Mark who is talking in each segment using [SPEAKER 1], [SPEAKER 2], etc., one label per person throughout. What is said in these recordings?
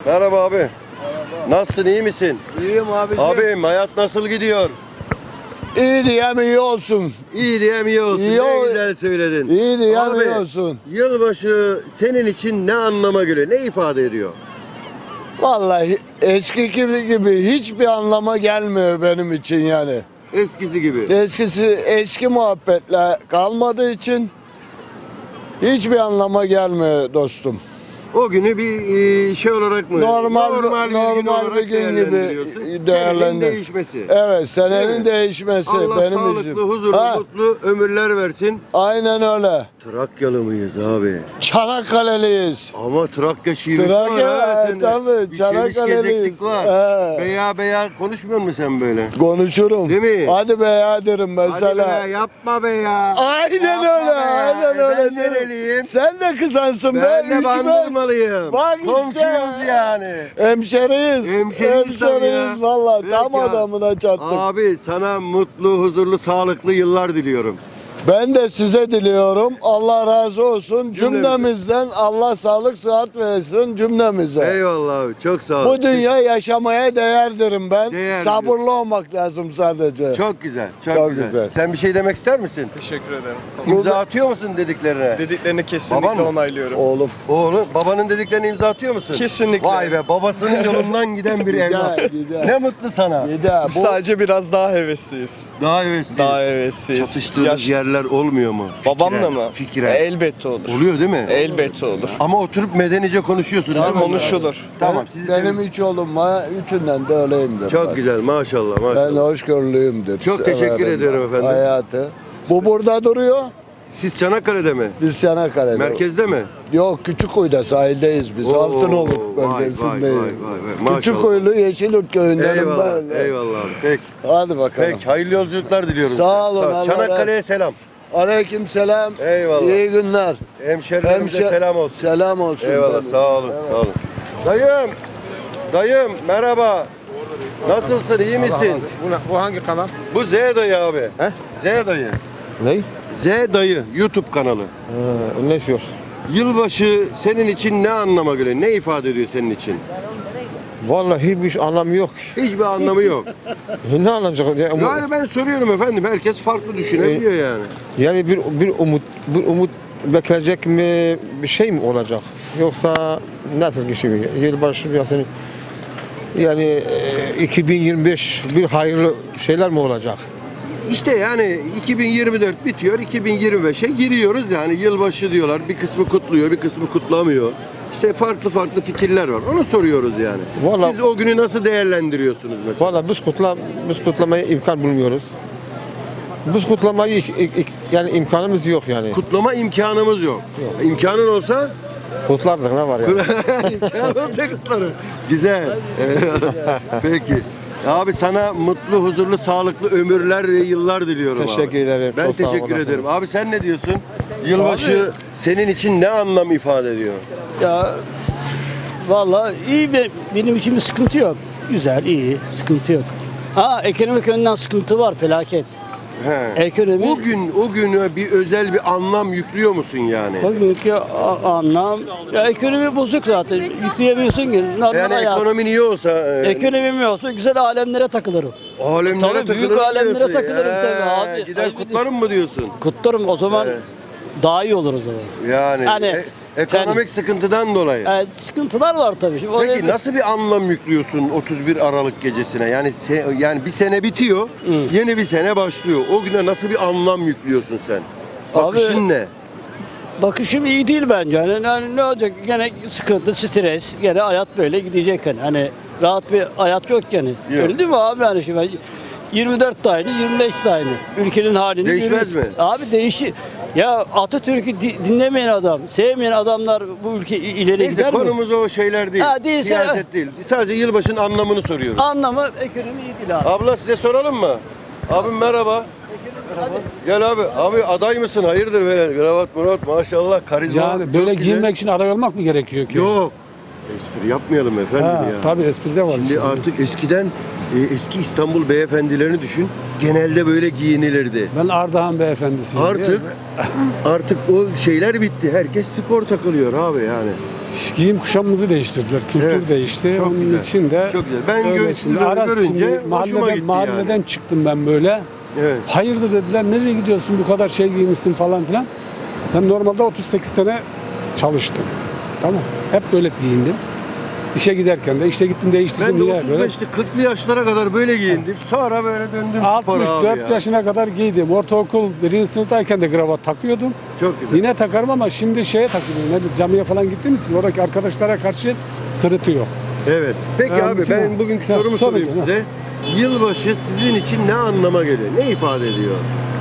[SPEAKER 1] Merhaba abi.
[SPEAKER 2] Merhaba.
[SPEAKER 1] Nasılsın, iyi misin?
[SPEAKER 2] İyiyim abicim.
[SPEAKER 1] Abim hayat nasıl gidiyor?
[SPEAKER 2] İyi diyem iyi olsun.
[SPEAKER 1] İyi diyem iyi olsun.
[SPEAKER 2] İyi
[SPEAKER 1] ne
[SPEAKER 2] ol-
[SPEAKER 1] güzel söyledin.
[SPEAKER 2] İyi diyem
[SPEAKER 1] Abi,
[SPEAKER 2] iyi olsun.
[SPEAKER 1] Yılbaşı senin için ne anlama geliyor? Ne ifade ediyor?
[SPEAKER 2] Vallahi eski gibi hiçbir anlama gelmiyor benim için yani.
[SPEAKER 1] Eskisi gibi.
[SPEAKER 2] Eski muhabbetler kalmadığı için hiçbir anlama gelmiyor dostum.
[SPEAKER 1] O günü bir şey olarak mı?
[SPEAKER 2] Normal
[SPEAKER 1] olarak
[SPEAKER 2] bir gün gibi
[SPEAKER 1] değerlendiriyorsun. Senenin
[SPEAKER 2] değerlendir.
[SPEAKER 1] değişmesi.
[SPEAKER 2] Evet,
[SPEAKER 1] Değil
[SPEAKER 2] senenin
[SPEAKER 1] mi?
[SPEAKER 2] değişmesi
[SPEAKER 1] Allah
[SPEAKER 2] benim
[SPEAKER 1] sağlıklı,
[SPEAKER 2] için.
[SPEAKER 1] huzurlu,
[SPEAKER 2] Ha,
[SPEAKER 1] mutlu ömürler versin.
[SPEAKER 2] aynen öyle.
[SPEAKER 1] Trakyalı mıyız abi?
[SPEAKER 2] Çanakkale'liyiz.
[SPEAKER 1] Ama Trakya şivesi var
[SPEAKER 2] Trakya,
[SPEAKER 1] ha sende.
[SPEAKER 2] tabii,
[SPEAKER 1] Bir
[SPEAKER 2] Çanakkale'liyiz.
[SPEAKER 1] gezeklik var.
[SPEAKER 2] He.
[SPEAKER 1] Beya konuşmuyor musun sen böyle?
[SPEAKER 2] Konuşurum.
[SPEAKER 1] Değil mi?
[SPEAKER 2] Hadi be ya derim mesela.
[SPEAKER 1] Hadi be yapma be ya.
[SPEAKER 2] Aynen
[SPEAKER 1] Yapma
[SPEAKER 2] öyle,
[SPEAKER 1] be ya.
[SPEAKER 2] aynen öyle.
[SPEAKER 1] Ben
[SPEAKER 2] derim.
[SPEAKER 1] nereliyim?
[SPEAKER 2] Sen de kızansın be.
[SPEAKER 1] Ben de
[SPEAKER 2] üç
[SPEAKER 1] Bandırmalıyım.
[SPEAKER 2] Bak işte.
[SPEAKER 1] Komşuyuz yani.
[SPEAKER 2] Hemşeriyiz.
[SPEAKER 1] Hemşeriyiz tabii ya.
[SPEAKER 2] Valla
[SPEAKER 1] Peki
[SPEAKER 2] tam
[SPEAKER 1] abi.
[SPEAKER 2] adamına çattık.
[SPEAKER 1] Abi sana mutlu, huzurlu, sağlıklı yıllar diliyorum.
[SPEAKER 2] Ben de size diliyorum. Allah razı olsun.
[SPEAKER 1] Cümlemize.
[SPEAKER 2] Cümlemizden Allah sağlık sıhhat versin cümlemize.
[SPEAKER 1] Eyvallah abi. Çok sağ ol.
[SPEAKER 2] Bu dünya yaşamaya değer derim ben.
[SPEAKER 1] Değer
[SPEAKER 2] Sabırlı olmak lazım sadece.
[SPEAKER 1] Çok güzel. Çok,
[SPEAKER 2] Çok
[SPEAKER 1] güzel.
[SPEAKER 2] güzel.
[SPEAKER 1] Sen bir şey demek ister misin?
[SPEAKER 3] Teşekkür ederim.
[SPEAKER 1] İmza atıyor musun dediklerine?
[SPEAKER 3] Dediklerini kesinlikle
[SPEAKER 1] Baban mı?
[SPEAKER 3] onaylıyorum.
[SPEAKER 2] Oğlum.
[SPEAKER 1] Oğlum, babanın dediklerine imza atıyor musun?
[SPEAKER 3] Kesinlikle.
[SPEAKER 1] Vay be, babasının yolundan giden bir evlat.
[SPEAKER 2] Gider.
[SPEAKER 1] Ne mutlu sana.
[SPEAKER 2] Gider.
[SPEAKER 3] Biz sadece biraz daha hevesliyiz.
[SPEAKER 1] Daha hevesli.
[SPEAKER 3] Daha hevesliyiz.
[SPEAKER 1] Çatıştığınız yerler olmuyor mu?
[SPEAKER 3] Babamla mı?
[SPEAKER 1] Fikire.
[SPEAKER 3] Elbette olur.
[SPEAKER 1] Oluyor değil mi?
[SPEAKER 3] Elbette olur.
[SPEAKER 1] Ama oturup medenice konuşuyorsunuz değil mi?
[SPEAKER 3] Konuşulur.
[SPEAKER 1] Tamam.
[SPEAKER 2] Benim üç oğlum var. Üçünden de öyleyimdir.
[SPEAKER 1] Çok
[SPEAKER 2] bak.
[SPEAKER 1] güzel maşallah
[SPEAKER 2] Ben
[SPEAKER 1] maşallah.
[SPEAKER 2] hoşgörülüyümdür.
[SPEAKER 1] Çok teşekkür
[SPEAKER 2] Severim
[SPEAKER 1] ediyorum
[SPEAKER 2] ben
[SPEAKER 1] efendim.
[SPEAKER 2] Hayatı. Bu burada duruyor.
[SPEAKER 1] Siz Çanakkale'de mi?
[SPEAKER 2] Biz Çanakkale'de.
[SPEAKER 1] Merkezde mi?
[SPEAKER 2] Yok, Küçükkuyu'da sahildeyiz biz.
[SPEAKER 1] Oo,
[SPEAKER 2] Altınoluk
[SPEAKER 1] vay, vay,
[SPEAKER 2] bölgesindeyiz.
[SPEAKER 1] vay, vay. Maşallah.
[SPEAKER 2] Küçükkuyulu Yeşilyurt köyündenim
[SPEAKER 1] Eyvallah,
[SPEAKER 2] ben.
[SPEAKER 1] eyvallah abi. Peki,
[SPEAKER 2] Hadi bakalım.
[SPEAKER 1] peki. Hayırlı yolculuklar diliyorum
[SPEAKER 2] Sağ
[SPEAKER 1] size.
[SPEAKER 2] olun,
[SPEAKER 1] Sağ
[SPEAKER 2] Allah
[SPEAKER 1] Çanakkale'ye selam.
[SPEAKER 2] Aleyküm selam.
[SPEAKER 1] Eyvallah.
[SPEAKER 2] İyi günler.
[SPEAKER 1] Hemşerilerimize selam olsun.
[SPEAKER 2] Selam olsun.
[SPEAKER 1] Eyvallah,
[SPEAKER 2] benim.
[SPEAKER 1] sağ olun,
[SPEAKER 2] Evet.
[SPEAKER 1] sağ olun. Dayım merhaba. Nasılsın, iyi misin?
[SPEAKER 4] Bu hangi kanal?
[SPEAKER 1] Bu Z dayı abi.
[SPEAKER 4] He?
[SPEAKER 1] Z dayı.
[SPEAKER 4] Ne?
[SPEAKER 1] Z dayı YouTube kanalı.
[SPEAKER 4] Ne istiyor?
[SPEAKER 1] Yılbaşı senin için ne anlama geliyor? Ne ifade ediyor senin için?
[SPEAKER 4] Vallahi hiçbir anlamı yok.
[SPEAKER 1] Hiçbir anlamı yok.
[SPEAKER 4] Ne anlayacak?
[SPEAKER 1] Yani ben soruyorum efendim. Herkes farklı düşünebiliyor yani.
[SPEAKER 4] Yani bir umut bekleyecek mi, bir şey mi olacak? Yoksa nasıl bir şey? Yılbaşı yani 2025 bir hayırlı şeyler mi olacak?
[SPEAKER 1] İşte yani 2024 bitiyor, 2025'e giriyoruz yani yılbaşı diyorlar. Bir kısmı kutluyor, bir kısmı kutlamıyor. İşte farklı fikirler var. Onu soruyoruz yani.
[SPEAKER 4] Vallahi-
[SPEAKER 1] Siz o günü nasıl değerlendiriyorsunuz mesela?
[SPEAKER 4] Vallahi biz kutlamaya imkan bulmuyoruz. Biz kutlamayı yani imkanımız yok yani.
[SPEAKER 1] Kutlama imkanımız yok. İmkanın olsa
[SPEAKER 4] Kutlardık ne var ya?
[SPEAKER 1] imkanın olsa kutlarım. Güzel. Peki. Abi sana mutlu, huzurlu, sağlıklı ömürler ve yıllar diliyorum abi.
[SPEAKER 4] Teşekkür ederim.
[SPEAKER 1] Ben
[SPEAKER 4] Çok sağ
[SPEAKER 1] teşekkür
[SPEAKER 4] olasın.
[SPEAKER 1] ederim. Abi sen ne diyorsun? Yılbaşı senin için ne anlam ifade ediyor?
[SPEAKER 5] Ya vallahi iyi benim için bir sıkıntı yok. Güzel, iyi, sıkıntı yok. Ha, ekonomik yönden sıkıntı var, felaket.
[SPEAKER 1] He.
[SPEAKER 5] Ekonomi
[SPEAKER 1] O günü bir özel bir anlam yüklüyor musun yani?
[SPEAKER 5] bugünkü anlam ya ekonomi bozuk zaten. Yükleyemiyorsun ki. Normal
[SPEAKER 1] Yani
[SPEAKER 5] hayat.
[SPEAKER 1] ekonomin iyi olsa
[SPEAKER 5] Ekonomim olsa güzel alemlere takılırım.
[SPEAKER 1] alemlere
[SPEAKER 5] Tabii,
[SPEAKER 1] takılırım
[SPEAKER 5] büyük alemlere
[SPEAKER 1] diyorsun.
[SPEAKER 5] takılırım tabii abi.
[SPEAKER 1] Gider
[SPEAKER 5] Ay,
[SPEAKER 1] kutlarım mı diyorsun?
[SPEAKER 5] Kutlarım o zaman
[SPEAKER 1] Evet.
[SPEAKER 5] daha iyi olur o zaman.
[SPEAKER 1] Yani
[SPEAKER 5] Hani
[SPEAKER 1] ekonomik sıkıntıdan dolayı.
[SPEAKER 5] Sıkıntılar var tabii. Şimdi
[SPEAKER 1] Peki
[SPEAKER 5] oraya
[SPEAKER 1] nasıl bir anlam yüklüyorsun 31 Aralık gecesine? Yani bir sene bitiyor,
[SPEAKER 5] Hı.
[SPEAKER 1] yeni bir sene başlıyor. O güne nasıl bir anlam yüklüyorsun sen? Bakışın
[SPEAKER 5] Abi-
[SPEAKER 1] ne?
[SPEAKER 5] Bakışım iyi değil bence. Yani ne olacak? Gene sıkıntı, stres. Gene hayat böyle gidecek hani rahat bir hayat yok yani.
[SPEAKER 1] Yok.
[SPEAKER 5] Öyle değil mi abi yani şimdi 24 de aynı, 25 de aynı. Ülkenin halini
[SPEAKER 1] Değişmez
[SPEAKER 5] görüyoruz.
[SPEAKER 1] mi?
[SPEAKER 5] Abi değişir. Ya Atatürk'ü dinlemeyen adam, sevmeyen adamlar bu ülke ileri
[SPEAKER 1] Neyse
[SPEAKER 5] gider mi?
[SPEAKER 1] konumuz o şeyler değil.
[SPEAKER 5] Ha, değilse-
[SPEAKER 1] Siyaset değil. Sadece yılbaşının anlamını soruyoruz.
[SPEAKER 5] Anlamı ekonomi iyi değil abi.
[SPEAKER 1] Abla size soralım mı? Abim merhaba. Gel abi. Abi aday mısın? Hayırdır böyle? Kravat murat maşallah karizma.
[SPEAKER 6] Yani
[SPEAKER 1] çok
[SPEAKER 6] böyle
[SPEAKER 1] güzel.
[SPEAKER 6] giyinmek için aday olmak mı gerekiyor ki?
[SPEAKER 1] Yok. Espri yapmayalım efendim
[SPEAKER 6] Ha,
[SPEAKER 1] ya.
[SPEAKER 6] tabii espri de var.
[SPEAKER 1] Şimdi artık eskiden eski İstanbul beyefendilerini düşün. Genelde böyle giyinilirdi.
[SPEAKER 6] Ben Ardahan beyefendisiyim.
[SPEAKER 1] Artık o şeyler bitti. Herkes spor takılıyor abi yani.
[SPEAKER 6] Giyim kuşamımızı değiştirdiler. Kültür
[SPEAKER 1] Evet,
[SPEAKER 6] değişti.
[SPEAKER 1] çok
[SPEAKER 6] Onun
[SPEAKER 1] güzel,
[SPEAKER 6] için de
[SPEAKER 1] çok güzel. Ben
[SPEAKER 6] öyle
[SPEAKER 1] sizi
[SPEAKER 6] şimdi
[SPEAKER 1] böyle
[SPEAKER 6] ara
[SPEAKER 1] görünce
[SPEAKER 6] şimdi
[SPEAKER 1] hoşuma gitti
[SPEAKER 6] mahalleden
[SPEAKER 1] yani.
[SPEAKER 6] çıktım ben böyle.
[SPEAKER 1] Evet.
[SPEAKER 6] Hayırdır dediler, nereye gidiyorsun bu kadar şey giymişsin falan filan. Ben normalde 38 sene çalıştım. Tamam. Hep böyle giyindim. İşe giderken de, işe gittim değiştirdim
[SPEAKER 1] Ben de
[SPEAKER 6] yine böyle.
[SPEAKER 1] 35'li 40'lı yaşlara kadar böyle giyindim. Sonra böyle döndüm spora abi
[SPEAKER 6] 64
[SPEAKER 1] ya.
[SPEAKER 6] yaşına kadar giydim. Ortaokul 1. sınıftayken de kravat takıyordum.
[SPEAKER 1] Çok güzel.
[SPEAKER 6] Yine takarım ama şimdi şeye takıyorum. Ne bileyim, camiye falan gittiğim için oradaki arkadaşlara karşı sırıtıyor.
[SPEAKER 1] Evet. Peki
[SPEAKER 6] Yani
[SPEAKER 1] abi
[SPEAKER 6] şimdi-
[SPEAKER 1] ben bugünkü
[SPEAKER 6] Ya,
[SPEAKER 1] sorumu
[SPEAKER 6] sorun
[SPEAKER 1] sorayım
[SPEAKER 6] canım.
[SPEAKER 1] size. Yılbaşı sizin için ne anlama geliyor? Ne ifade ediyor?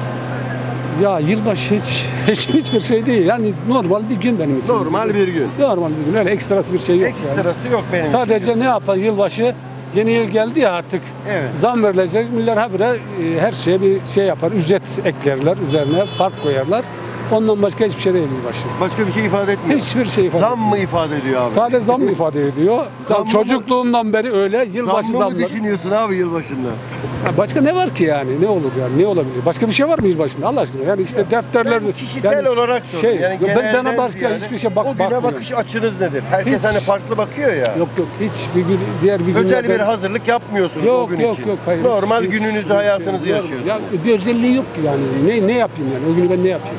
[SPEAKER 6] Ya yılbaşı hiçbir şey değil. Yani normal bir gün benim için.
[SPEAKER 1] Normal bir gün.
[SPEAKER 6] Normal bir gün. Öyle ekstrası bir şey yok. yani.
[SPEAKER 1] Ekstrası yok benim için.
[SPEAKER 6] Sadece ne yapar yılbaşı? Yeni yıl geldi ya artık.
[SPEAKER 1] Evet.
[SPEAKER 6] Zam verilecek. Millet habire her şeye bir şey yapar. Ücret eklerler. Üzerine fark koyarlar. Ondan başka hiçbir şey değil yılbaşı.
[SPEAKER 1] Başka bir şey ifade etmiyor.
[SPEAKER 6] Hiçbir şey ifade
[SPEAKER 1] Zam mı ifade ediyor abi?
[SPEAKER 6] Sadece zam mı ifade ediyor?
[SPEAKER 1] Zam mı?
[SPEAKER 6] Çocukluğumdan beri öyle. Yılbaşı
[SPEAKER 1] Zam mı
[SPEAKER 6] zamları.
[SPEAKER 1] düşünüyorsun abi yılbaşında?
[SPEAKER 6] Ya başka ne var ki yani? Ne olur yani? Ne olabilir? Başka bir şey var mı yılbaşında? Allah aşkına. Yani işte defterler...
[SPEAKER 1] Ben kişisel
[SPEAKER 6] yani
[SPEAKER 1] olarak sordum.
[SPEAKER 6] şey,
[SPEAKER 1] yani
[SPEAKER 6] yok, ben
[SPEAKER 1] genelden
[SPEAKER 6] bana başka
[SPEAKER 1] ziyade
[SPEAKER 6] hiçbir şey
[SPEAKER 1] o güne
[SPEAKER 6] bakmıyorum.
[SPEAKER 1] bakış açınız nedir? Herkes
[SPEAKER 6] Hiç.
[SPEAKER 1] hani farklı bakıyor ya.
[SPEAKER 6] Yok hiçbir gün diğer bir gün
[SPEAKER 1] Özel bir hazırlık yapmıyorsunuz o
[SPEAKER 6] yok
[SPEAKER 1] gün
[SPEAKER 6] yok
[SPEAKER 1] için.
[SPEAKER 6] yok hayır.
[SPEAKER 1] Normal
[SPEAKER 6] Hiç-
[SPEAKER 1] gününüzü,
[SPEAKER 6] hiç-
[SPEAKER 1] hayatınızı
[SPEAKER 6] yok.
[SPEAKER 1] yaşıyorsunuz.
[SPEAKER 6] Ya bir özelliği yok ki yani. Ne yapayım yani? O günü ben ne yapayım?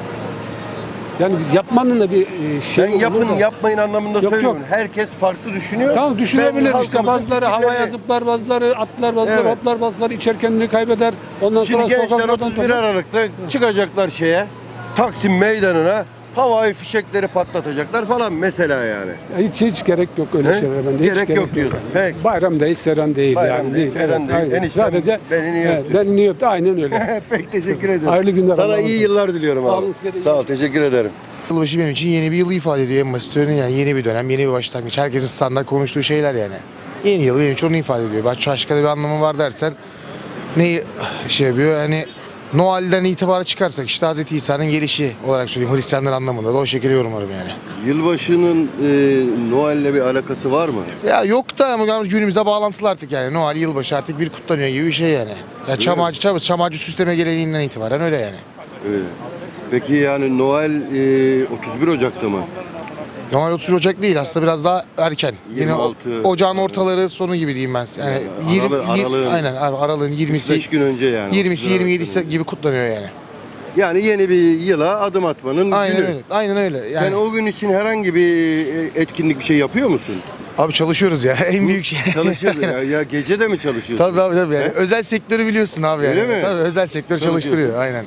[SPEAKER 6] Yani yapmanın da bir şey
[SPEAKER 1] Ben yapın
[SPEAKER 6] olur da.
[SPEAKER 1] yapmayın anlamında
[SPEAKER 6] Yok,
[SPEAKER 1] söylüyorum.
[SPEAKER 6] yok.
[SPEAKER 1] Herkes farklı düşünüyor.
[SPEAKER 6] Tamam düşünebilir
[SPEAKER 1] Ben
[SPEAKER 6] işte
[SPEAKER 1] halkımızın
[SPEAKER 6] bazıları havaya
[SPEAKER 1] fikirlerini-
[SPEAKER 6] zıplar, bazıları atlar, bazıları
[SPEAKER 1] Evet.
[SPEAKER 6] hoplar, bazıları içer kendini kaybeder. Ondan
[SPEAKER 1] Şimdi
[SPEAKER 6] sonra
[SPEAKER 1] gençler
[SPEAKER 6] sokaklardan
[SPEAKER 1] 31 Aralık'ta çıkacaklar şeye. Taksim Meydanı'na havai fişekleri patlatacaklar falan mesela yani.
[SPEAKER 6] hiç gerek yok öyle
[SPEAKER 1] He?
[SPEAKER 6] şeylere bende. Hiç
[SPEAKER 1] Gerek yok diyorsun. Peki.
[SPEAKER 6] Bayram değil, seren değil
[SPEAKER 1] Bayram
[SPEAKER 6] yani.
[SPEAKER 1] değil, seren değil.
[SPEAKER 6] aynen.
[SPEAKER 1] Eniştem
[SPEAKER 6] Sadece
[SPEAKER 1] beni niye öptü?
[SPEAKER 6] beni niye öptü? Aynen öyle.
[SPEAKER 1] Peki teşekkür ederim.
[SPEAKER 6] Hayırlı günler.
[SPEAKER 1] Sana
[SPEAKER 6] Allah'a
[SPEAKER 1] iyi
[SPEAKER 6] emanet.
[SPEAKER 1] yıllar diliyorum
[SPEAKER 6] Sağ
[SPEAKER 1] abi.
[SPEAKER 6] olun, size de iyi
[SPEAKER 1] Sağ ol, teşekkür ederim.
[SPEAKER 7] Yılbaşı benim için yeni bir yılı ifade ediyor en basit örneği yani yeni bir dönem, yeni bir başlangıç. Herkesin standart konuştuğu şeyler yani. Yeni yıl benim için onu ifade ediyor. Başka bir anlamı var dersen neyi şey yapıyor hani Noel'den itibara çıkarsak işte Hz. İsa'nın gelişi olarak söyleyeyim Hristiyanlar anlamında da o şekilde yorumlarım yani.
[SPEAKER 1] Yılbaşının Noel'le bir alakası var mı?
[SPEAKER 7] Ya yok da ama günümüzde bağlantılı artık yani Noel yılbaşı artık bir kutlanıyor gibi bir şey yani. Ya çam ağacı süsleme geleneğinden itibaren öyle yani.
[SPEAKER 1] Evet. Peki yani Noel 31 Ocak'ta mı?
[SPEAKER 7] Noel 31 Ocak değil aslında biraz daha erken. Yine
[SPEAKER 1] 26.
[SPEAKER 7] ocağın ortaları sonu gibi diyeyim ben. Yani
[SPEAKER 1] Aralığın-
[SPEAKER 7] aynen aralığın 20'si
[SPEAKER 1] 5 gün önce yani.
[SPEAKER 7] 20'si 27'si gibi kutlanıyor yani.
[SPEAKER 1] Yani yeni bir yıla adım atmanın
[SPEAKER 7] Aynen
[SPEAKER 1] günü.
[SPEAKER 7] öyle. Aynen öyle. Yani
[SPEAKER 1] Sen o gün için herhangi bir etkinlik bir şey yapıyor musun?
[SPEAKER 7] abi çalışıyoruz ya. En büyük şey.
[SPEAKER 1] Çalışıyorsun ya gece de mi çalışıyorsun?
[SPEAKER 7] Tabii abi tabii. Yani.
[SPEAKER 1] He?
[SPEAKER 7] Özel sektörü biliyorsun abi yani.
[SPEAKER 1] Öyle mi?
[SPEAKER 7] Tabii özel sektör çalıştırıyor. Aynen.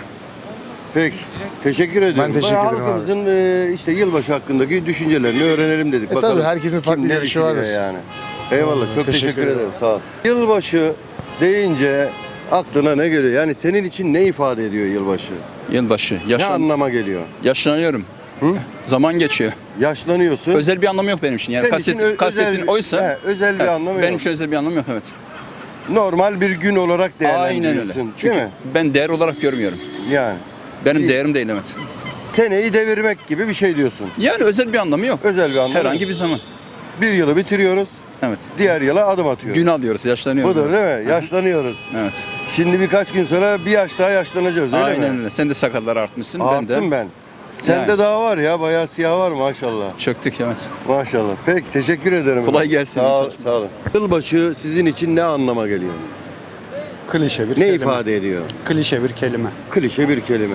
[SPEAKER 1] Peki. Teşekkür ediyorum.
[SPEAKER 7] teşekkür ederim abi.
[SPEAKER 1] Halkımızın işte yılbaşı hakkındaki düşüncelerini öğrenelim dedik.
[SPEAKER 7] tabii,
[SPEAKER 1] Bakalım
[SPEAKER 7] herkesin farklı
[SPEAKER 1] kim ne
[SPEAKER 7] görüşü vardır.
[SPEAKER 1] düşünüyor yani. Eyvallah. Çok
[SPEAKER 7] Teşekkür
[SPEAKER 1] teşekkür
[SPEAKER 7] ederim.
[SPEAKER 1] ederim. Sağ ol. Yılbaşı deyince aklına ne geliyor? Yani senin için ne ifade ediyor yılbaşı?
[SPEAKER 8] Yılbaşı.
[SPEAKER 1] Ne anlama geliyor?
[SPEAKER 8] Yaşlanıyorum.
[SPEAKER 1] Hı?
[SPEAKER 8] Zaman geçiyor.
[SPEAKER 1] Yaşlanıyorsun.
[SPEAKER 8] Özel bir anlamı yok benim için. Yani
[SPEAKER 1] Senin için
[SPEAKER 8] kastettiğin oysa
[SPEAKER 1] he, özel bir
[SPEAKER 8] evet,
[SPEAKER 1] anlamı
[SPEAKER 8] benim
[SPEAKER 1] yok.
[SPEAKER 8] için özel bir anlamı yok evet.
[SPEAKER 1] Normal bir gün olarak
[SPEAKER 8] Aynen
[SPEAKER 1] değerlendiriyorsun.
[SPEAKER 8] öyle. Çünkü
[SPEAKER 1] Değil mi?
[SPEAKER 8] ben değer olarak görmüyorum.
[SPEAKER 1] Yani
[SPEAKER 8] Benim
[SPEAKER 1] İyi.
[SPEAKER 8] değerim değil evet.
[SPEAKER 1] seneyi devirmek gibi bir şey diyorsun.
[SPEAKER 8] Yani özel bir anlamı yok.
[SPEAKER 1] Özel bir anlamı
[SPEAKER 8] Herhangi
[SPEAKER 1] yok.
[SPEAKER 8] bir zaman.
[SPEAKER 1] Bir yılı bitiriyoruz.
[SPEAKER 8] Evet.
[SPEAKER 1] Diğer yıla adım atıyoruz.
[SPEAKER 8] Gün alıyoruz, yaşlanıyoruz.
[SPEAKER 1] Budur
[SPEAKER 8] evet.
[SPEAKER 1] değil mi? Yaşlanıyoruz.
[SPEAKER 8] Evet.
[SPEAKER 1] Şimdi birkaç gün sonra bir yaş daha yaşlanacağız öyle
[SPEAKER 8] Aynen
[SPEAKER 1] mi?
[SPEAKER 8] öyle. Sen de sakallar artmışsın.
[SPEAKER 1] Arttım ben. Sende
[SPEAKER 8] Yani.
[SPEAKER 1] daha var ya, bayağı siyah var maşallah.
[SPEAKER 8] Çöktük evet.
[SPEAKER 1] Maşallah. Peki teşekkür ederim.
[SPEAKER 8] Kolay gelsin.
[SPEAKER 1] Sağ, sağ olun. Yılbaşı sizin için ne anlama geliyor?
[SPEAKER 9] Klişe bir
[SPEAKER 1] Ne
[SPEAKER 9] kelime.
[SPEAKER 1] ifade ediyor?
[SPEAKER 9] Klişe bir kelime.
[SPEAKER 1] Klişe bir kelime.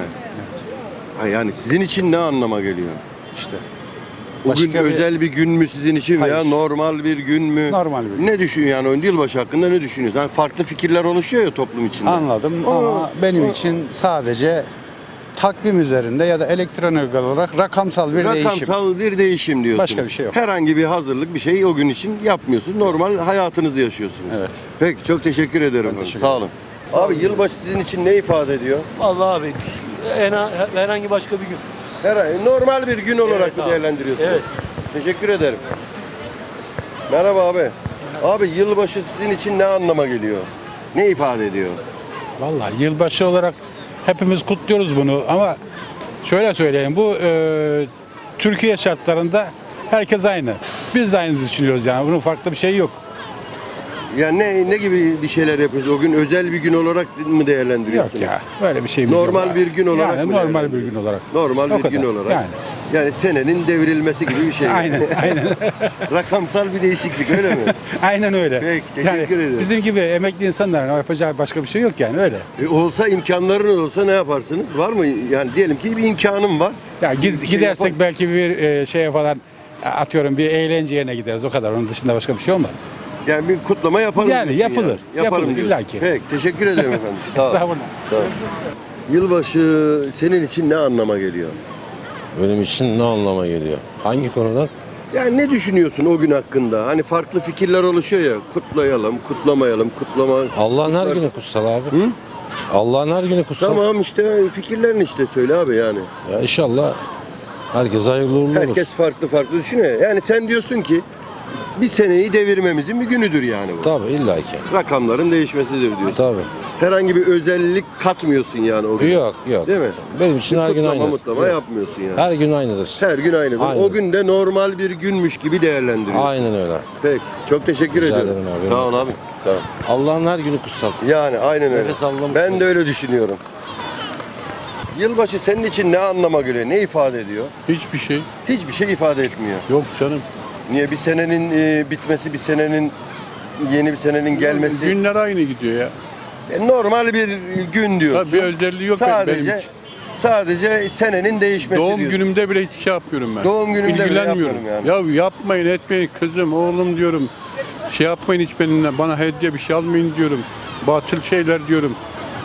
[SPEAKER 1] Ha, yani sizin için ne anlama geliyor?
[SPEAKER 9] İşte.
[SPEAKER 1] O gün
[SPEAKER 9] Başka bir-
[SPEAKER 1] özel bir gün mü sizin için veya
[SPEAKER 9] Hayır.
[SPEAKER 1] normal bir gün mü?
[SPEAKER 9] Normal bir gün.
[SPEAKER 1] Ne düşün yani o yılbaşı hakkında ne düşünüyorsun? Yani farklı fikirler oluşuyor ya toplum içinde.
[SPEAKER 9] Anladım ama benim için sadece takvim üzerinde ya da elektronik olarak rakamsal bir değişim.
[SPEAKER 1] Rakamsal bir değişim diyorsunuz.
[SPEAKER 9] Başka bir şey yok.
[SPEAKER 1] Herhangi bir hazırlık bir şey o gün için yapmıyorsunuz. Normal hayatınızı yaşıyorsunuz.
[SPEAKER 9] Evet.
[SPEAKER 1] Peki çok teşekkür ederim.
[SPEAKER 9] Ben teşekkür
[SPEAKER 1] Sağ olun. Abi yılbaşı sizin için ne ifade ediyor?
[SPEAKER 10] Vallahi abi herhangi başka bir gün.
[SPEAKER 1] Normal bir gün olarak
[SPEAKER 10] Evet
[SPEAKER 1] mı
[SPEAKER 10] abi.
[SPEAKER 1] değerlendiriyorsunuz?
[SPEAKER 10] Evet.
[SPEAKER 1] Teşekkür ederim. Merhaba abi. Abi yılbaşı sizin için ne anlama geliyor? Ne ifade ediyor?
[SPEAKER 11] Vallahi yılbaşı olarak hepimiz kutluyoruz bunu ama şöyle söyleyeyim bu Türkiye şartlarında Herkes aynı. Biz de aynı düşünüyoruz yani. Bunun farklı bir şey yok.
[SPEAKER 1] Yani ne gibi bir şeyler yapıyorsun? O gün özel bir gün olarak mı
[SPEAKER 11] Yok
[SPEAKER 1] değerlendiriyorsunuz?
[SPEAKER 11] ya. Böyle bir şeyimiz
[SPEAKER 1] Normal
[SPEAKER 11] yok.
[SPEAKER 1] bir gün olarak
[SPEAKER 11] yani
[SPEAKER 1] mı
[SPEAKER 11] normal bir
[SPEAKER 1] değerlendiriyorsunuz?
[SPEAKER 11] gün olarak.
[SPEAKER 1] Normal
[SPEAKER 11] O
[SPEAKER 1] bir gün
[SPEAKER 11] kadar.
[SPEAKER 1] olarak.
[SPEAKER 11] Yani.
[SPEAKER 1] Yani senenin devrilmesi gibi bir şey.
[SPEAKER 11] Aynen, aynen.
[SPEAKER 1] Rakamsal bir değişiklik öyle mi?
[SPEAKER 11] Aynen öyle.
[SPEAKER 1] Peki, teşekkür ederim.
[SPEAKER 11] Bizim gibi emekli insanların yapacağı başka bir şey yok yani öyle.
[SPEAKER 1] Olsa imkanların olsa ne yaparsınız? Var mı? Yani diyelim ki bir imkanım var.
[SPEAKER 11] Ya
[SPEAKER 1] Bir şey
[SPEAKER 11] gidersek
[SPEAKER 1] yapar-
[SPEAKER 11] belki bir şeye falan atıyorum bir eğlence yerine gideriz o kadar. Onun dışında başka bir şey olmaz.
[SPEAKER 1] Yani bir kutlama yapalım.
[SPEAKER 11] Yani
[SPEAKER 1] diyorsun
[SPEAKER 11] yapılır,
[SPEAKER 1] Yapalım
[SPEAKER 11] yapılır,
[SPEAKER 1] diyorsun.
[SPEAKER 11] illaki.
[SPEAKER 1] Peki teşekkür ederim efendim. Sağ ol.
[SPEAKER 11] Estağfurullah.
[SPEAKER 1] Sağ ol. Yılbaşı senin için ne anlama geliyor?
[SPEAKER 12] Benim için ne anlama geliyor? Hangi konudan?
[SPEAKER 1] Yani ne düşünüyorsun o gün hakkında? Hani farklı fikirler oluşuyor ya. Kutlayalım, kutlamayalım, kutlama.
[SPEAKER 12] Allah'ın her
[SPEAKER 1] Kutlar-
[SPEAKER 12] günü kutsal abi.
[SPEAKER 1] Hı?
[SPEAKER 12] Allah'ın her günü kutsal.
[SPEAKER 1] Tamam işte fikirlerini işte söyle abi yani.
[SPEAKER 12] Ya inşallah herkes hayırlı uğurlu olur.
[SPEAKER 1] Herkes farklı farklı düşünüyor. Yani sen diyorsun ki bir seneyi devirmemizin bir günüdür yani bu.
[SPEAKER 12] Tabii illaki.
[SPEAKER 1] Rakamların değişmesidir diyorsun.
[SPEAKER 12] Tabii.
[SPEAKER 1] Herhangi bir özellik katmıyorsun yani o gün.
[SPEAKER 12] Yok yok.
[SPEAKER 1] Değil mi?
[SPEAKER 12] Benim için her gün
[SPEAKER 1] Kutlama
[SPEAKER 12] aynı.
[SPEAKER 1] mutlama
[SPEAKER 12] Yok.
[SPEAKER 1] yapmıyorsun yani.
[SPEAKER 12] Her gün aynıdır.
[SPEAKER 1] Her gün aynı.
[SPEAKER 12] Aynı.
[SPEAKER 1] O gün de normal bir günmüş gibi değerlendiriyorsun.
[SPEAKER 12] Aynen öyle.
[SPEAKER 1] Peki. Çok teşekkür
[SPEAKER 12] Rica
[SPEAKER 1] ediyorum.
[SPEAKER 12] ederim abi.
[SPEAKER 1] Sağ ol abi. Sağ ol.
[SPEAKER 12] Allah'ın her günü kutsal.
[SPEAKER 1] Yani aynen öyle.
[SPEAKER 12] Nefes aldım.
[SPEAKER 1] Ben de öyle düşünüyorum. Yılbaşı senin için ne anlama geliyor? Ne ifade ediyor?
[SPEAKER 11] Hiçbir şey
[SPEAKER 1] Hiçbir şey ifade etmiyor.
[SPEAKER 11] yok canım.
[SPEAKER 1] Niye? Bir senenin bitmesi, bir senenin yeni bir senenin gelmesi.
[SPEAKER 11] Günler aynı gidiyor ya.
[SPEAKER 1] Normal bir gün diyorsun.
[SPEAKER 11] Tabii bir özelliği yok benim
[SPEAKER 1] Sadece
[SPEAKER 11] için.
[SPEAKER 1] sadece senenin değişmesi
[SPEAKER 11] Doğum
[SPEAKER 1] diyorsun.
[SPEAKER 11] günümde bile hiç şey yapıyorum ben.
[SPEAKER 1] Doğum günümde bile
[SPEAKER 11] İlgilenmiyorum.
[SPEAKER 1] yapıyorum yani.
[SPEAKER 11] Ya yapmayın etmeyin kızım oğlum diyorum. Şey yapmayın hiç benimle. Bana hediye bir şey almayın diyorum. Batıl şeyler diyorum.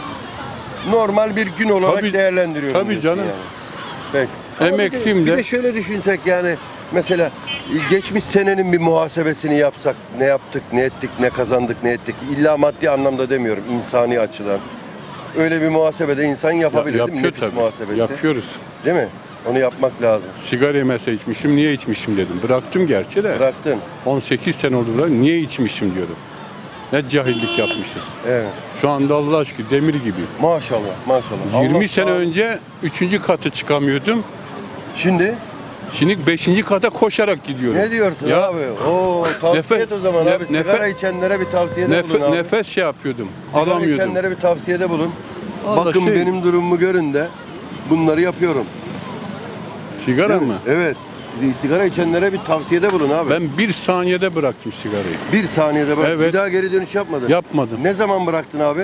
[SPEAKER 1] Normal bir gün olarak
[SPEAKER 11] Tabii-
[SPEAKER 1] değerlendiriyorum
[SPEAKER 11] tabii
[SPEAKER 1] diyorsun
[SPEAKER 11] canım.
[SPEAKER 1] yani. Peki. Ama
[SPEAKER 11] Emekliyim
[SPEAKER 1] bir
[SPEAKER 11] de.
[SPEAKER 1] de şöyle düşünsek yani mesela geçmiş senenin bir muhasebesini yapsak ne yaptık, ne ettik, ne kazandık, ne ettik. İlla maddi anlamda demiyorum, insani açıdan. Öyle bir muhasebede insan yapabilir değil mi?
[SPEAKER 11] Yapıyor
[SPEAKER 1] Nefis
[SPEAKER 11] tabii.
[SPEAKER 1] muhasebesi.
[SPEAKER 11] Yapıyoruz.
[SPEAKER 1] Değil mi? Onu yapmak lazım.
[SPEAKER 11] Sigara mesela içmişim. Niye içmişim dedim. Bıraktım gerçi de.
[SPEAKER 1] Bıraktın.
[SPEAKER 11] 18 sene oldu da niye içmişim diyorum. Ne cahillik yapmışız.
[SPEAKER 1] Evet.
[SPEAKER 11] Şu anda Allah aşkına demir gibi.
[SPEAKER 1] Maşallah, maşallah.
[SPEAKER 11] 20
[SPEAKER 1] Allah
[SPEAKER 11] sene
[SPEAKER 1] sağ-
[SPEAKER 11] önce 3. katı çıkamıyordum.
[SPEAKER 1] Şimdi
[SPEAKER 11] Şimdi 5. kata koşarak gidiyorum.
[SPEAKER 1] ne diyorsun
[SPEAKER 11] Ya,
[SPEAKER 1] abi? Oo, tavsiye
[SPEAKER 11] Nefe-
[SPEAKER 1] et o zaman
[SPEAKER 11] ne-
[SPEAKER 1] abi. Sigara içenlere bir tavsiyede bulun abi.
[SPEAKER 11] Nefes şey yapıyordum.
[SPEAKER 1] Sigara
[SPEAKER 11] alamıyordum.
[SPEAKER 1] içenlere bir tavsiyede bulun.
[SPEAKER 11] Allah
[SPEAKER 1] Bakın
[SPEAKER 11] şey-
[SPEAKER 1] benim durumumu görün de bunları yapıyorum.
[SPEAKER 11] Sigara
[SPEAKER 1] Değil mi?
[SPEAKER 11] mı?
[SPEAKER 1] Evet. Sigara içenlere bir tavsiyede bulun abi.
[SPEAKER 11] Ben 1 saniyede bıraktım sigarayı.
[SPEAKER 1] Bir saniyede bırak.
[SPEAKER 11] Evet.
[SPEAKER 1] Bir daha geri dönüş yapmadın.
[SPEAKER 11] Yapmadım.
[SPEAKER 1] Ne zaman bıraktın abi?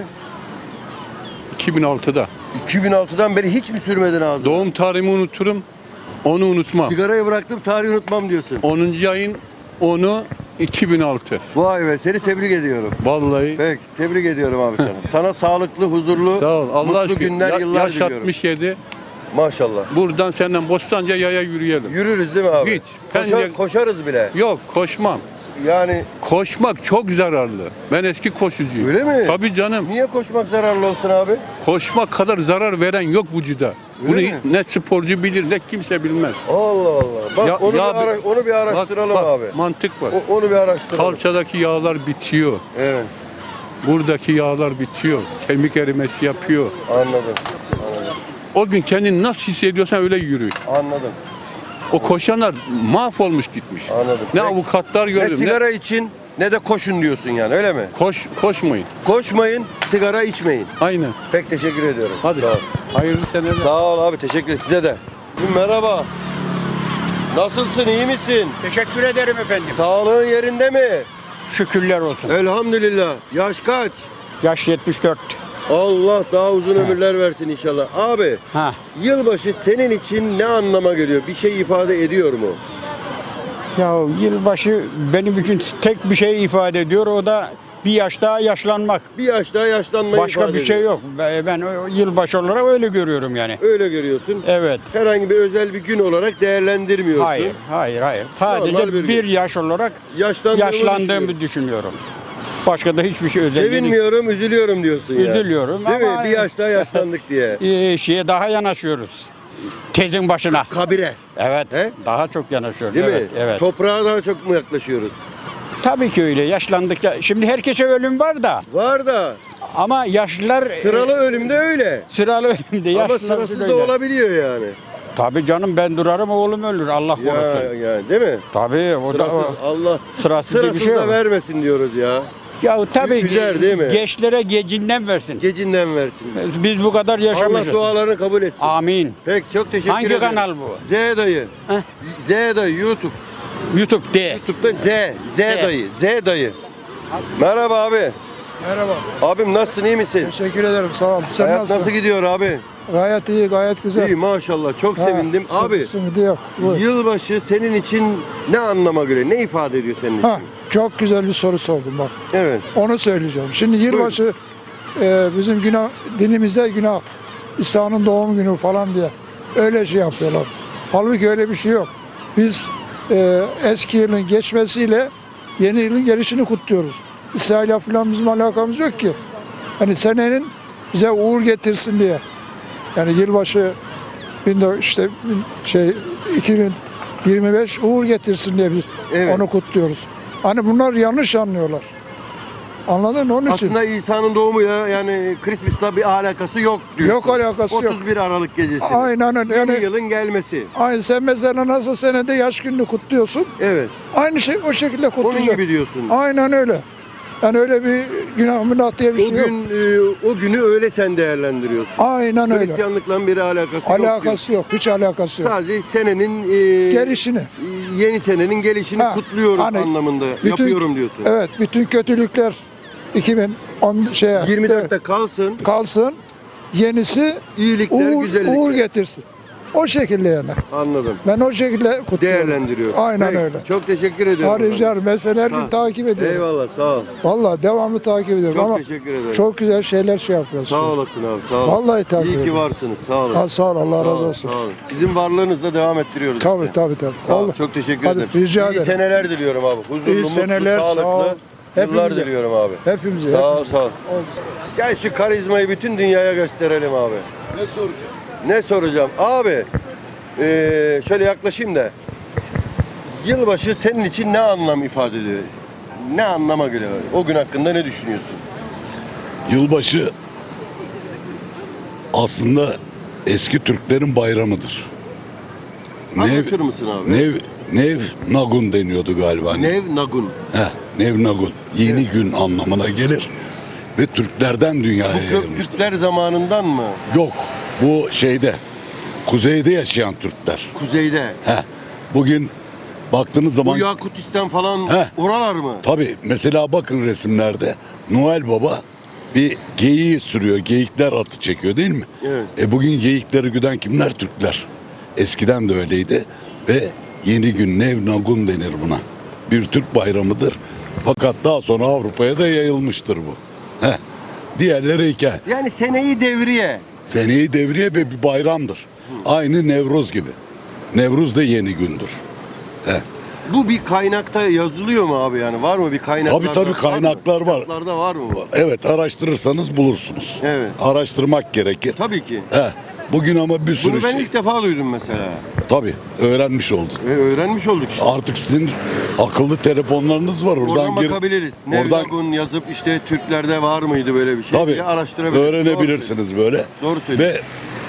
[SPEAKER 11] 2006'da.
[SPEAKER 1] 2006'dan beri hiç mi sürmedin ağzına?
[SPEAKER 11] Doğum tarihimi unuturum. Onu unutmam.
[SPEAKER 1] Sigarayı bıraktım, tarihi unutmam diyorsun.
[SPEAKER 11] 10. ayın 10'u 2006.
[SPEAKER 1] Vay be, seni tebrik ediyorum.
[SPEAKER 11] Vallahi.
[SPEAKER 1] Peki, tebrik ediyorum abi sana. Sana sağlıklı, huzurlu,
[SPEAKER 11] Sağ ol. Allah
[SPEAKER 1] mutlu
[SPEAKER 11] aşkına.
[SPEAKER 1] günler, yıllar
[SPEAKER 11] Yaş
[SPEAKER 1] diliyorum.
[SPEAKER 11] 67.
[SPEAKER 1] Maşallah.
[SPEAKER 11] Buradan senden Bostancı'ya yaya yürüyelim.
[SPEAKER 1] Yürürüz değil mi abi?
[SPEAKER 11] Hiç. Bence-
[SPEAKER 1] Koşarız bile.
[SPEAKER 11] Yok koşmam.
[SPEAKER 1] Yani
[SPEAKER 11] Koşmak çok zararlı. Ben eski koşucuyum.
[SPEAKER 1] öyle mi?
[SPEAKER 11] Tabii canım.
[SPEAKER 1] Niye koşmak zararlı olsun abi?
[SPEAKER 11] Koşmak kadar zarar veren yok vücuda. Bunu
[SPEAKER 1] Öyle mi?
[SPEAKER 11] ne sporcu bilir ne kimse bilmez.
[SPEAKER 1] Allah Allah. Bak
[SPEAKER 11] Ya-
[SPEAKER 1] onu,
[SPEAKER 11] ya
[SPEAKER 1] onu bir araştıralım
[SPEAKER 11] bak,
[SPEAKER 1] abi.
[SPEAKER 11] Mantık var.
[SPEAKER 1] Onu bir araştıralım.
[SPEAKER 11] Kalçadaki yağlar bitiyor.
[SPEAKER 1] Evet,
[SPEAKER 11] Buradaki yağlar bitiyor. Kemik erimesi yapıyor.
[SPEAKER 1] anladım. Anladım.
[SPEAKER 11] O gün kendini nasıl hissediyorsan öyle yürü.
[SPEAKER 1] Anladım.
[SPEAKER 11] O koşanlar mahvolmuş gitmiş.
[SPEAKER 1] Anladım.
[SPEAKER 11] Ne
[SPEAKER 1] Peki,
[SPEAKER 11] avukatlar
[SPEAKER 1] ne
[SPEAKER 11] gördüm. Ne
[SPEAKER 1] sigara için ne de koşun diyorsun yani öyle mi?
[SPEAKER 11] koşmayın.
[SPEAKER 1] Koşmayın, sigara içmeyin.
[SPEAKER 11] Aynen.
[SPEAKER 1] Pek teşekkür ediyorum.
[SPEAKER 11] Hadi.
[SPEAKER 1] Sağ ol.
[SPEAKER 11] Hayırlı seneler.
[SPEAKER 1] Sağ ol abi, teşekkür ederim. Size de. Merhaba. Nasılsın, iyi misin?
[SPEAKER 10] Teşekkür ederim efendim.
[SPEAKER 1] Sağlığın yerinde mi?
[SPEAKER 10] Şükürler olsun.
[SPEAKER 1] Elhamdülillah. Yaş kaç?
[SPEAKER 10] Yaş 74.
[SPEAKER 1] Allah daha uzun ömürler versin inşallah. Abi,
[SPEAKER 10] Ha.
[SPEAKER 1] yılbaşı senin için ne anlama geliyor? Bir şey ifade ediyor mu?
[SPEAKER 10] Ya yılbaşı benim için tek bir şey ifade ediyor. O da bir yaş daha yaşlanmak.
[SPEAKER 1] Bir yaş daha yaşlanmayı
[SPEAKER 10] Başka
[SPEAKER 1] ifade
[SPEAKER 10] bir şey
[SPEAKER 1] ediyor.
[SPEAKER 10] yok. Ben o yılbaşı olarak öyle görüyorum yani.
[SPEAKER 1] Öyle görüyorsun.
[SPEAKER 10] Evet.
[SPEAKER 1] Herhangi bir özel bir gün olarak değerlendirmiyorsun.
[SPEAKER 10] Hayır.
[SPEAKER 1] Normal
[SPEAKER 10] Sadece
[SPEAKER 1] bir
[SPEAKER 10] bir
[SPEAKER 1] gün.
[SPEAKER 10] yaş olarak
[SPEAKER 1] Yaşlandığımı düşünüyorum.
[SPEAKER 10] yaşlandığımı düşünüyorum. Başka da hiçbir şey özelliği değil.
[SPEAKER 1] Sevinmiyorum, üzülüyorum diyorsun ya.
[SPEAKER 10] Üzülüyorum
[SPEAKER 1] Değil
[SPEAKER 10] ama
[SPEAKER 1] mi? Bir yaş daha yaşlandık diye.
[SPEAKER 10] şeye daha yanaşıyoruz. Tezin başına.
[SPEAKER 1] Kabire.
[SPEAKER 10] Evet.
[SPEAKER 1] He?
[SPEAKER 10] Daha çok yanaşıyoruz.
[SPEAKER 1] Değil
[SPEAKER 10] evet,
[SPEAKER 1] mi?
[SPEAKER 10] Evet.
[SPEAKER 1] Toprağa daha çok mu yaklaşıyoruz?
[SPEAKER 10] Tabii ki öyle. Yaşlandıkça şimdi herkese ölüm var da
[SPEAKER 1] Var da
[SPEAKER 10] ama yaşlılar
[SPEAKER 1] sıralı ölümde öyle.
[SPEAKER 10] sıralı ölümde
[SPEAKER 1] Ama
[SPEAKER 10] yaşlılar
[SPEAKER 1] sırasız
[SPEAKER 10] öyle.
[SPEAKER 1] da olabiliyor yani.
[SPEAKER 10] Tabii canım, ben durarım oğlum ölür, Allah korusun.
[SPEAKER 1] Ya değil mi?
[SPEAKER 10] Tabii o
[SPEAKER 1] Sırasız,
[SPEAKER 10] da
[SPEAKER 1] Allah
[SPEAKER 10] sırasız bir
[SPEAKER 1] sırasız
[SPEAKER 10] şey
[SPEAKER 1] da
[SPEAKER 10] yok.
[SPEAKER 1] vermesin diyoruz ya.
[SPEAKER 10] Ya tabii
[SPEAKER 1] Güzel değil mi?
[SPEAKER 10] gençlere gecinden versin.
[SPEAKER 1] Gecinden versin.
[SPEAKER 10] Biz bu kadar yaşamışız.
[SPEAKER 1] Allah dualarını kabul etsin.
[SPEAKER 10] Amin.
[SPEAKER 1] Peki çok teşekkür
[SPEAKER 10] Hangi
[SPEAKER 1] ederim.
[SPEAKER 10] kanal bu?
[SPEAKER 1] Z dayı.
[SPEAKER 10] Heh.
[SPEAKER 1] Z dayı YouTube.
[SPEAKER 10] YouTube de.
[SPEAKER 1] YouTube'da Z dayı. Z dayı. Merhaba abi.
[SPEAKER 2] Merhaba.
[SPEAKER 1] Abim nasılsın, iyi misin?
[SPEAKER 2] Teşekkür ederim. Sağ ol. Sen
[SPEAKER 1] Hayat nasıl gidiyor abi?
[SPEAKER 2] Gayet iyi, gayet güzel.
[SPEAKER 1] İyi maşallah, çok sevindim. Abi
[SPEAKER 2] Sıkıntı yok. Buyur.
[SPEAKER 1] yılbaşı senin için ne anlama göre, ne ifade ediyor senin için?
[SPEAKER 2] Ha, çok güzel bir soru sordun bak.
[SPEAKER 1] Evet.
[SPEAKER 2] Onu söyleyeceğim. Şimdi yılbaşı bizim günah, dinimizde günah. İsa'nın doğum günü falan diye öyle şey yapıyorlar. Halbuki öyle bir şey yok. Biz eski yılın geçmesiyle yeni yılın gelişini kutluyoruz. İsa ile falan bizim alakamız yok ki. Hani senenin bize uğur getirsin diye. Yani yılbaşı 2025 uğur getirsin diye biz
[SPEAKER 1] Evet.
[SPEAKER 2] onu kutluyoruz. Hani bunlar yanlış anlıyorlar. Anladın mı? Onun için.
[SPEAKER 1] Aslında İsa'nın doğumuyla yani Christmas'la bir alakası yok diyorsun.
[SPEAKER 2] Yok alakası yok.
[SPEAKER 1] 31 Aralık gecesi.
[SPEAKER 2] Aynen öyle.
[SPEAKER 1] Yeni
[SPEAKER 2] Yani,
[SPEAKER 1] yılın gelmesi.
[SPEAKER 2] aynı sen mesela nasıl senede yaş gününü kutluyorsun.
[SPEAKER 1] Evet.
[SPEAKER 2] Aynı şey o şekilde
[SPEAKER 1] Onun
[SPEAKER 2] kutlayacak.
[SPEAKER 1] gibi diyorsun.
[SPEAKER 2] Aynen öyle. Yani öyle bir günah diye bir
[SPEAKER 1] O
[SPEAKER 2] şey yok.
[SPEAKER 1] gün o günü öyle sen değerlendiriyorsun.
[SPEAKER 2] Aynen öyle.
[SPEAKER 1] Hristiyanlıkla bir alakası yok.
[SPEAKER 2] Alakası yok. Hiç alakası yok.
[SPEAKER 1] Sadece senenin
[SPEAKER 2] Gelişini.
[SPEAKER 1] yeni senenin gelişini
[SPEAKER 2] Ha,
[SPEAKER 1] kutluyoruz
[SPEAKER 2] hani
[SPEAKER 1] anlamında
[SPEAKER 2] bütün-
[SPEAKER 1] yapıyorum diyorsun.
[SPEAKER 2] Evet. Bütün kötülükler 2010
[SPEAKER 1] 24'te kalsın.
[SPEAKER 2] kalsın. Yenisi
[SPEAKER 1] İyilikler, güzellikler.
[SPEAKER 2] uğur getirsin. O şekilde yani.
[SPEAKER 1] Anladım.
[SPEAKER 2] Ben o şekilde kutluyorum.
[SPEAKER 1] Değerlendiriyorum.
[SPEAKER 2] Aynen
[SPEAKER 1] Peki,
[SPEAKER 2] öyle.
[SPEAKER 1] Çok teşekkür ediyorum.
[SPEAKER 2] Rica ederim. Mesela her
[SPEAKER 1] Sağ
[SPEAKER 2] gün
[SPEAKER 1] ol.
[SPEAKER 2] takip ediyorum.
[SPEAKER 1] Eyvallah, sağ ol.
[SPEAKER 2] Vallahi devamlı takip ediyorum
[SPEAKER 1] Çok
[SPEAKER 2] ama
[SPEAKER 1] teşekkür ederim.
[SPEAKER 2] çok güzel şeyler şey yapıyorsun.
[SPEAKER 1] Sağ olasın abi, sağ ol.
[SPEAKER 2] Vallahi takip
[SPEAKER 1] İyi ki
[SPEAKER 2] ediyorum.
[SPEAKER 1] varsınız, sağ olun.
[SPEAKER 2] Ha, sağ ol. Allah
[SPEAKER 1] Sağ
[SPEAKER 2] razı
[SPEAKER 1] olun,
[SPEAKER 2] olsun.
[SPEAKER 1] sağ olun. Sizin varlığınızla devam ettiriyoruz.
[SPEAKER 2] Tabii
[SPEAKER 1] işte.
[SPEAKER 2] tabii.
[SPEAKER 1] Sağ ol,
[SPEAKER 2] Vallahi.
[SPEAKER 1] çok teşekkür
[SPEAKER 2] Hadi,
[SPEAKER 1] ederim.
[SPEAKER 2] rica
[SPEAKER 1] İyi
[SPEAKER 2] ederim.
[SPEAKER 1] seneler diliyorum abi. Huzurlu,
[SPEAKER 2] İyi seneler,
[SPEAKER 1] mutlu,
[SPEAKER 2] sağ ol.
[SPEAKER 1] sağlıklı yıllar
[SPEAKER 2] Hepimize.
[SPEAKER 1] diliyorum abi.
[SPEAKER 2] Hepimize.
[SPEAKER 1] Sağ ol,
[SPEAKER 2] hepimize.
[SPEAKER 1] sağ ol. Gel şu karizmayı bütün dünyaya gösterelim abi.
[SPEAKER 12] Ne soracağım?
[SPEAKER 1] Ne soracağım? Abi, şöyle yaklaşayım da. Yılbaşı senin için ne anlam ifade ediyor? Ne anlama göre? O gün hakkında ne düşünüyorsun?
[SPEAKER 13] Yılbaşı aslında eski Türklerin bayramıdır.
[SPEAKER 1] Anlatır mısın abi?
[SPEAKER 13] Nev Nagun deniyordu galiba.
[SPEAKER 1] Nev Nagun.
[SPEAKER 13] Nev Nagun. Yeni gün anlamına gelir ve Türklerden dünyaya
[SPEAKER 1] Bu
[SPEAKER 13] yayılmıştır.
[SPEAKER 1] Göktürkler zamanından mı?
[SPEAKER 13] Yok. Bu kuzeyde yaşayan Türkler.
[SPEAKER 1] Kuzeyde.
[SPEAKER 13] Bugün baktığınız zaman
[SPEAKER 1] Bu Yakutistan falan
[SPEAKER 13] Heh.
[SPEAKER 1] oralar mı?
[SPEAKER 13] tabii mesela bakın resimlerde Noel Baba bir geyiği sürüyor. Geyikler atı çekiyor değil mi?
[SPEAKER 1] Evet.
[SPEAKER 13] Bugün geyikleri güden kimler? Türkler. Eskiden de öyleydi ve yeni gün Nev Nagun denir buna. Bir Türk bayramıdır. Fakat daha sonra Avrupa'ya da yayılmıştır bu. Diğerleri hikaye.
[SPEAKER 1] Yani seneyi devriye.
[SPEAKER 13] Seneyi devriye ve bir bayramdır. Aynı Nevruz gibi. Nevruz da yeni gündür.
[SPEAKER 1] Bu bir kaynakta yazılıyor mu abi yani? Var mı bir kaynaklarda?
[SPEAKER 13] Tabii kaynaklar var.
[SPEAKER 1] Kaynaklarda var mı?
[SPEAKER 13] Evet, araştırırsanız bulursunuz.
[SPEAKER 1] Evet.
[SPEAKER 13] Araştırmak gerekir.
[SPEAKER 1] Tabii ki.
[SPEAKER 13] Bugün ama bir sürü
[SPEAKER 1] Bunu ben
[SPEAKER 13] şey.
[SPEAKER 1] ilk defa duydum mesela.
[SPEAKER 13] Tabii öğrenmiş olduk.
[SPEAKER 1] Öğrenmiş olduk işte.
[SPEAKER 13] Artık sizin akıllı telefonlarınız var.
[SPEAKER 1] Oradan bakabiliriz.
[SPEAKER 13] Oradan
[SPEAKER 1] Nevnagun yazıp işte Türklerde var mıydı böyle bir şey
[SPEAKER 13] tabii
[SPEAKER 1] diye araştırabiliriz.
[SPEAKER 13] öğrenebilirsiniz böyle.
[SPEAKER 1] Doğru söylüyorsun.
[SPEAKER 13] Ve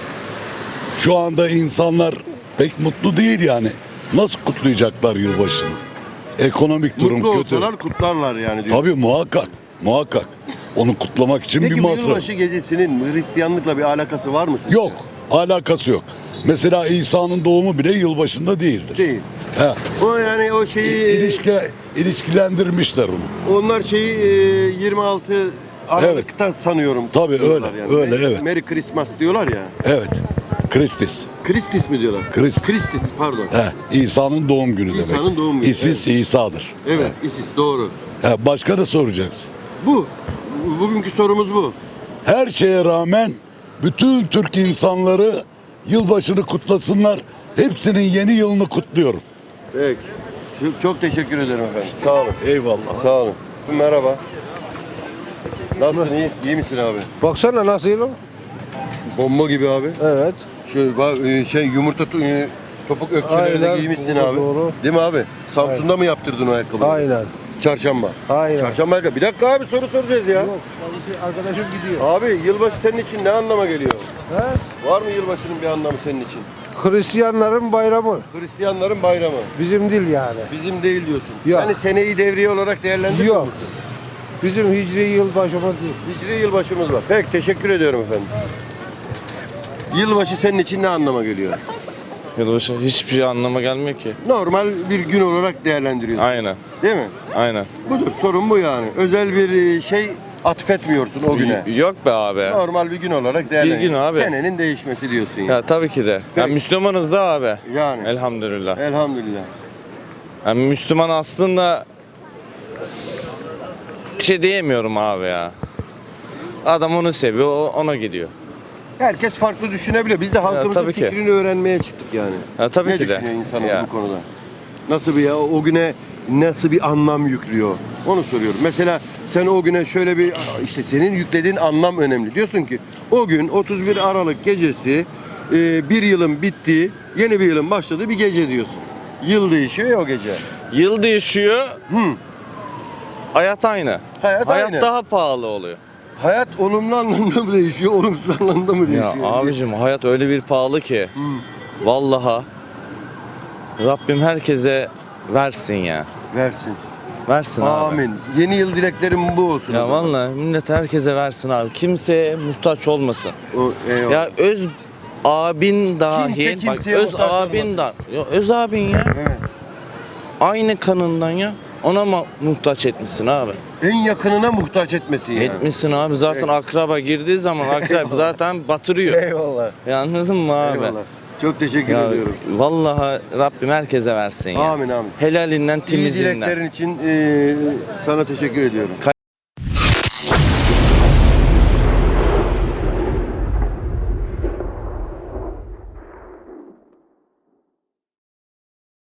[SPEAKER 13] şu anda insanlar pek mutlu değil yani. Nasıl kutlayacaklar yılbaşını? Ekonomik durum
[SPEAKER 1] Mutlu
[SPEAKER 13] kötü.
[SPEAKER 1] olsalar kutlarlar yani diyor.
[SPEAKER 13] Tabii muhakkak. Onu kutlamak için
[SPEAKER 1] Peki
[SPEAKER 13] bir
[SPEAKER 1] bu
[SPEAKER 13] masraf.
[SPEAKER 1] yılbaşı gecesinin Hristiyanlıkla bir alakası var mı sizce?
[SPEAKER 13] Yok. Alakası yok. Mesela İsa'nın doğumu bile yılbaşında değildir.
[SPEAKER 1] Değil. O yani o şeyi
[SPEAKER 13] İlişkilendirmişler onu.
[SPEAKER 1] onlar şeyi 26 Aralık'ta sanıyorum.
[SPEAKER 13] Tabii
[SPEAKER 1] diyorlar
[SPEAKER 13] öyle, öyle, evet.
[SPEAKER 1] Merry Christmas diyorlar ya.
[SPEAKER 13] Evet. Christis.
[SPEAKER 1] Christis mi diyorlar? Christis pardon.
[SPEAKER 13] İsa'nın doğum günü demek.
[SPEAKER 1] İsa'nın doğum günü,
[SPEAKER 13] İsis İsa'dır.
[SPEAKER 1] Evet, Isis doğru.
[SPEAKER 13] Başka da soracaksın.
[SPEAKER 1] Bugünkü sorumuz bu.
[SPEAKER 13] Her şeye rağmen bütün Türk insanları yılbaşını kutlasınlar. Hepsinin yeni yılını kutluyorum.
[SPEAKER 1] Peki. Çok teşekkür ederim efendim. Sağ olun.
[SPEAKER 13] Eyvallah.
[SPEAKER 1] Sağ olun. Merhaba. Nasılsın? İyi misin abi?
[SPEAKER 4] Baksana nasıl o?
[SPEAKER 1] Bomba gibi abi.
[SPEAKER 4] Evet.
[SPEAKER 1] Yumurta topuk ökçelerini
[SPEAKER 4] Aynen,
[SPEAKER 1] giymişsin
[SPEAKER 4] doğru,
[SPEAKER 1] abi.
[SPEAKER 4] doğru.
[SPEAKER 1] Değil mi abi? Samsun'da mı yaptırdın o ayakkabıyı?
[SPEAKER 4] Aynen.
[SPEAKER 1] Çarşamba.
[SPEAKER 4] Aynen.
[SPEAKER 1] Çarşamba ayakkabı. Bir dakika abi soru soracağız ya.
[SPEAKER 4] Yok, arkadaşım gidiyor.
[SPEAKER 1] Abi yılbaşı senin için ne anlama geliyor?
[SPEAKER 4] He?
[SPEAKER 1] Var mı yılbaşının bir anlamı senin için?
[SPEAKER 4] Hristiyanların bayramı.
[SPEAKER 1] Hristiyanların bayramı.
[SPEAKER 4] Bizim değil yani.
[SPEAKER 1] Bizim değil diyorsun.
[SPEAKER 4] Yok.
[SPEAKER 1] Yani seneyi devriye olarak değerlendiriyor
[SPEAKER 4] Yok.
[SPEAKER 1] musun?
[SPEAKER 4] Bizim hicri yılbaşımız değil.
[SPEAKER 1] Hicri yılbaşımız var. Peki teşekkür ediyorum efendim. Yılbaşı senin için ne anlama geliyor?
[SPEAKER 3] Yılbaşı hiçbir şey anlama gelmiyor ki.
[SPEAKER 1] Normal bir gün olarak değerlendiriyorsun.
[SPEAKER 3] Aynen.
[SPEAKER 1] Değil mi?
[SPEAKER 3] Aynen.
[SPEAKER 1] Budur. Sorun bu yani. Özel bir şey atfetmiyorsun o güne.
[SPEAKER 3] Yok be abi.
[SPEAKER 1] Normal bir gün olarak değerlendiriyorsun.
[SPEAKER 3] gün abi.
[SPEAKER 1] Senenin değişmesi diyorsun yani.
[SPEAKER 3] Ya tabii ki de.
[SPEAKER 1] Peki.
[SPEAKER 3] Ya Müslümanız da abi.
[SPEAKER 1] Yani.
[SPEAKER 3] Elhamdülillah.
[SPEAKER 1] Elhamdülillah.
[SPEAKER 3] Yani Müslüman aslında bir şey diyemiyorum abi ya. Adam onu seviyor, ona gidiyor.
[SPEAKER 1] Herkes farklı düşünebiliyor. Biz de halkımızın
[SPEAKER 3] tabii ki.
[SPEAKER 1] fikrini öğrenmeye çıktık yani.
[SPEAKER 3] Ya tabii
[SPEAKER 1] Ne
[SPEAKER 3] ki de.
[SPEAKER 1] düşünüyor insanlar
[SPEAKER 3] Ya.
[SPEAKER 1] bu konuda? Nasıl bir o güne nasıl bir anlam yüklüyor? Onu soruyorum. Mesela sen o güne şöyle bir işte senin yüklediğin anlam önemli. Diyorsun ki o gün 31 Aralık gecesi bir yılın bittiği, yeni bir yılın başladığı bir gece diyorsun. Yıl değişiyor ya o gece.
[SPEAKER 3] Yıl değişiyor,
[SPEAKER 1] Hı.
[SPEAKER 3] hayat aynı.
[SPEAKER 1] Hayat aynı.
[SPEAKER 3] daha pahalı oluyor.
[SPEAKER 1] Hayat olumlu anlamda mı değişiyor, olumsuz anlamda mı
[SPEAKER 3] Ya
[SPEAKER 1] değişiyor?
[SPEAKER 3] abicim hayat öyle bir pahalı ki.
[SPEAKER 1] Hı.
[SPEAKER 3] Vallahi Rabbim herkese versin ya.
[SPEAKER 1] Versin.
[SPEAKER 3] Versin abi.
[SPEAKER 1] Amin. Yeni yıl dileklerim bu olsun. o
[SPEAKER 3] Ya
[SPEAKER 1] zaman.
[SPEAKER 3] vallahi millet herkese versin abi. Kimseye muhtaç olmasın.
[SPEAKER 1] Eyvallah.
[SPEAKER 3] Ya öz abin dahil,
[SPEAKER 1] Kimse
[SPEAKER 3] bak
[SPEAKER 1] kimseye
[SPEAKER 3] öz
[SPEAKER 1] muhtaç
[SPEAKER 3] abin
[SPEAKER 1] olmasın.
[SPEAKER 3] da, ya öz abin ya.
[SPEAKER 1] Evet.
[SPEAKER 3] Aynı kanından ya. Ona mı muhtaç etmişsin abi?
[SPEAKER 1] En yakınına muhtaç etmesin yani.
[SPEAKER 3] Etmişsin abi. Zaten
[SPEAKER 1] Evet.
[SPEAKER 3] akraba girdiği zaman akraba zaten batırıyor.
[SPEAKER 1] Eyvallah.
[SPEAKER 3] Ya anladın mı abi?
[SPEAKER 1] Eyvallah. Çok teşekkür
[SPEAKER 3] Ya
[SPEAKER 1] ediyorum.
[SPEAKER 3] vallahi Rabbim herkese versin ya.
[SPEAKER 1] Amin amin.
[SPEAKER 3] Helalinden
[SPEAKER 1] İyi
[SPEAKER 3] temizinden.
[SPEAKER 1] dileklerin için sana teşekkür ediyorum.